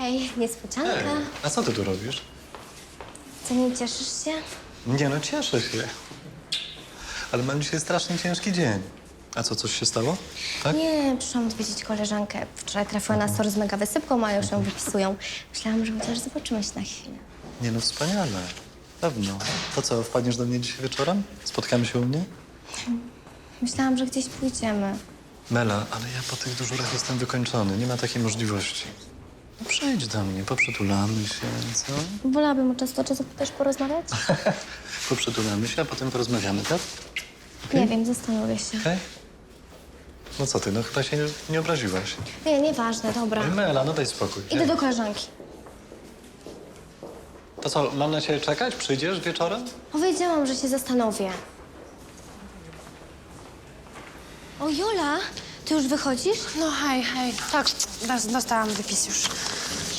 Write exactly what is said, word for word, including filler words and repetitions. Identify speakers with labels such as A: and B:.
A: Hej, niespodzianka.
B: Ej, a co ty tu robisz?
A: Co, nie cieszysz się?
B: Nie no, cieszę się. Ale mam dzisiaj strasznie ciężki dzień. A co, coś się stało? Tak?
A: Nie, przyszłam odwiedzić koleżankę. Wczoraj trafiła na SOR z mega wysypką, a już ją wypisują. Myślałam, że chociaż zobaczymy się na chwilę.
B: Nie no, wspaniale. Pewno. To co, wpadniesz do mnie dzisiaj wieczorem? Spotkamy się u mnie?
A: Myślałam, że gdzieś pójdziemy.
B: Mela, ale ja po tych dyżurach jestem wykończony. Nie ma takiej możliwości. No przyjdź do mnie, poprzytulamy się, co?
A: Wolałabym od czasu do czasu też porozmawiać?
B: Poprzytulamy się, a potem porozmawiamy, tak?
A: Nie wiem, zastanowię się.
B: Okej? No co ty, no chyba się nie, nie obraziłaś.
A: Nie, nieważne, dobra.
B: Ej, Mela, no daj spokój.
A: Idę do koleżanki.
B: To co, mam na ciebie czekać? Przyjdziesz wieczorem?
A: Powiedziałam, że się zastanowię. O, Jola, ty już wychodzisz?
C: No hej, hej. Tak, dos- dostałam wypis już.